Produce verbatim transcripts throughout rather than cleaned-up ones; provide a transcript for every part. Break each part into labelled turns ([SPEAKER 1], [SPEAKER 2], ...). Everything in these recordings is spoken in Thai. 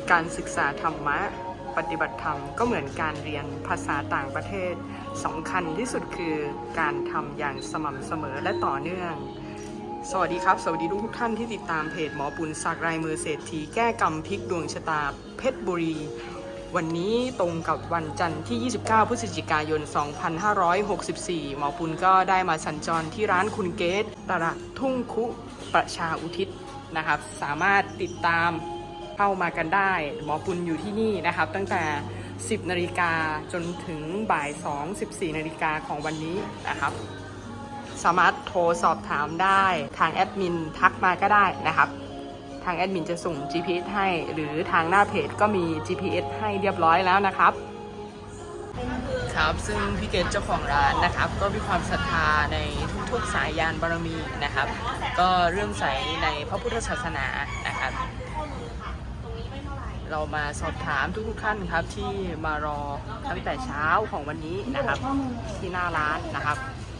[SPEAKER 1] การศึกษาธรรมะปฏิบัติธรรมก็เหมือนการเรียนภาษาต่างประเทศสำคัญที่สุดคือการทำอย่างสม่ำเสมอและต่อเนื่องสวัสดีครับสวัสดีทุกท่านที่ติดตามเพจหมอปุณสักลายมือเศรษฐีแก้กรรมพลิกดวงชะตาเพชรบุรีวันนี้ตรงกับวันจันทร์ที่ยี่สิบเก้าพฤศจิกายนสองพันห้าร้อยหกสิบสี่หมอปุณก็ได้มาสัญจรที่ร้านคุณเกตตลาดทุ่งคุประชาอุทิศนะครับสามารถติดตามเข้ามากันได้หมอปุณอยู่ที่นี่นะครับตั้งแต่สิบนาฬิกาจนถึงบ่ายสอง สิบสี่นาฬิกาของวันนี้นะครับสามารถโทรสอบถามได้ทางแอดมินทักมาก็ได้นะครับทางแอดมินจะส่ง จี พี เอส ให้หรือทางหน้าเพจก็มี จี พี เอส ให้เรียบร้อยแล้วนะครับครับซึ่งพี่เกศเจ้าของร้านนะครับก็มีความศรัทธาในทุกๆสายยานบารมีนะครับก็เริ่มใสในพระพุทธศาสนานะครับเรามาสอบถามทุกๆท่านครับที่มารอตั้งแต่เช้าของวันนี้นะครับที่หน้าร้านนะครับ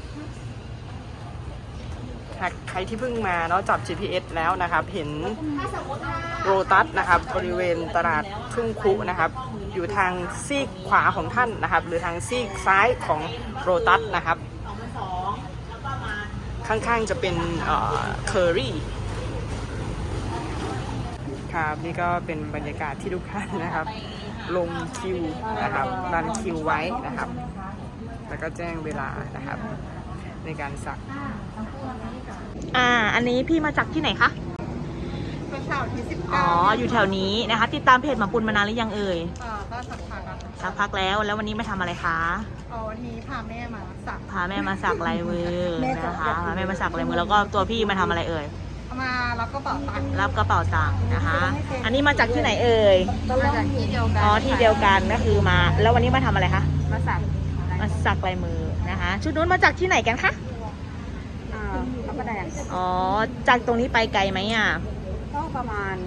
[SPEAKER 1] ใครที่เพิ่งมาเนาะจับ จี พี เอส แล้วนะครับเห็นโรตัสนะครับบริเวณตลาดทุ่งคุนะครับอยู่ทางซีกขวาของท่านนะครับหรือทางซีกซ้ายของโรตัสนะครับข้างๆจะเป็นเคอรี่ครับนี่ก็เป็นบรรยากาศที่ทุกท่านนะครับลงคิวนะครับรันคิวไว้นะครับแล้วก็แจ้งเวลานะครับในการสัก
[SPEAKER 2] อ่าอันนี้พี่มาจากที่ไหนคะ
[SPEAKER 3] เป็นสาวที่สิบ
[SPEAKER 2] อ๋ออยู่แถวนี้นะคะติดตามเพจหมอปุณมานานหรือยังเอ่ย
[SPEAKER 3] อ่าก็สักพักแล้ว
[SPEAKER 2] สักพักแล้วแล้ววันนี้มาทำอะไรคะ
[SPEAKER 3] อ๋อวันนี้พาแม่มาสัก
[SPEAKER 2] พาแม่มาสักลายมือนะคะพาแม่มาสักลายมือแล้วก็ตัวพี่มาทำอะไรเอ่ย
[SPEAKER 3] มารับกระเป๋าตังค์
[SPEAKER 2] รับกระเป๋าตังค์นะคะอันนี้มาจากที่ไหนเอ่ย
[SPEAKER 3] มาจากที่เดียวกัน
[SPEAKER 2] อ๋อที่เดียวกันก็คือมาแล้ววันนี้มาทำอะไรคะ
[SPEAKER 3] มาสัก
[SPEAKER 2] มาสักลายมือนะคะชุดนู้นมาจากที่ไหนกันคะ
[SPEAKER 3] อ่าพระประแดง
[SPEAKER 2] อ๋อจากตรงนี้ไปไกลไหมอ่ะ
[SPEAKER 3] ก็ประมาณ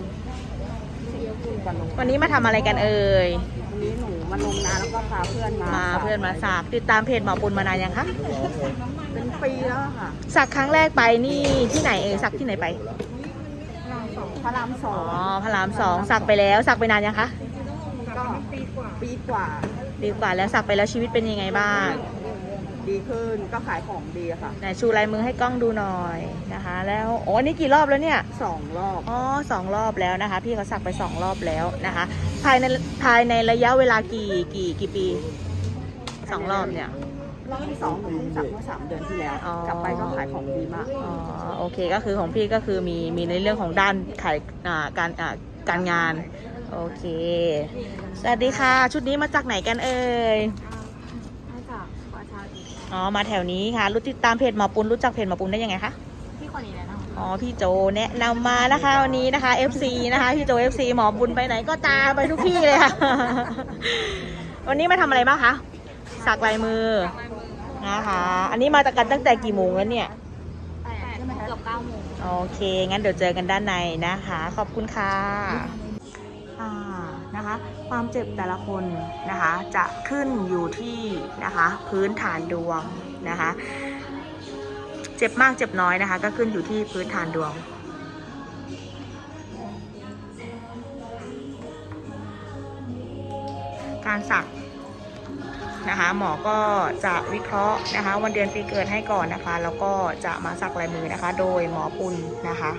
[SPEAKER 2] วันนี้มาทำอะไรกันเอ่ย
[SPEAKER 3] วันนี้หนูมาลงนาแล้วก็พาเพื่อนมา
[SPEAKER 2] มาเพื่อนมาสักติดตามเพจหมอปุณมานานยังคะ
[SPEAKER 3] เป็นปีแล้วค่ะ
[SPEAKER 2] สักครั้งแรกไปนี่ที่ไหนเอ่ยสักที่ไหนไป
[SPEAKER 3] พระรามสอง
[SPEAKER 2] อ๋อพระรามสองสักไปแล้วสักไปนานยังคะ
[SPEAKER 3] ก็ปีกว่าปีกว่า
[SPEAKER 2] ปีกว่าแล้วสักไปแล้วชีวิตเป็นยังไงบ้าง
[SPEAKER 3] ดีขึ้นก็ขายของดีค่ะ
[SPEAKER 2] ไหนชูลายมือให้กล้องดูหน่อยนะคะแล้วโอ้นี่กี่รอบแล้วเนี่ย
[SPEAKER 3] สองรอบ
[SPEAKER 2] อ๋อสองรอบแล้วนะคะพี่เขาสักไปสองรอบแล้วนะคะภายในภายในระยะเวลากี่กี่กี่ปีสองรอบเนี่ย
[SPEAKER 3] รอบที่สองหนูเพิ่งสักเมื่อสามเดือนที่แล้วกลับไปก็ขายของดีมาก
[SPEAKER 2] อ๋อโอเคก็คือของพี่ก็คือมีมีในเรื่องของด้านขายอ่าการอ่าการงานโอเคสวัสดีค่ะชุดนี้มาจากไหนกันเอ่ยอ๋อมาแถวนี้ค่ะรู้ติดตามเพจหมอปุณรู้จักเพจหมอปุณได้ยังไงคะ
[SPEAKER 3] พี่คนนี้แนะนำ
[SPEAKER 2] อ๋อพี่โจแนะนำมานะคะวันนี้นะคะ เอฟ ซี นะคะพี่โจ เอฟ ซี หมอปุณไปไหนก็ตามไปทุกที่เลยค่ะ วันนี้มาทำอะไรบ้างคะสักลายมือนะคะอันนี้มาจากกันตั้งแต่กี่โมงแล้วเนี่ย
[SPEAKER 3] เกือบเก้าโมง
[SPEAKER 2] โอเคงั้นเดี๋ยวเจอกันด้านในนะคะขอบคุณค่ะอ่านะคะความเจ็บแต่ละคนนะคะจะขึ้นอยู่ที่นะคะพื้นฐานดวงนะคะเจ็บมากเจ็บน้อยนะคะก็ขึ้นอยู่ที่พื้นฐานดวงการสักนะคะหมอก็จะวิเคราะห์นะคะวันเดือนปีเกิดให้ก่อนนะคะแล้วก็จะมาสักลายมือนะคะโดยหมอปุณนะคะ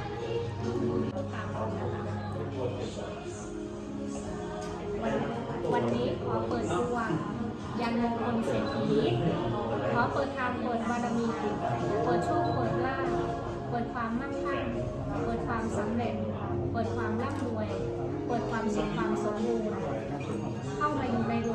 [SPEAKER 4] วันนี้ขอเปิดดวงยันมงคลเศรษฐีขอเปิดทางเปิดบารมีเปิดโชคเปิดลาภเปิดความมั่งคั่งเปิดความสำเร็จเปิดความร่ำรวยเปิดความสุขความสมบูรณ์เข้ามาอยู่ใน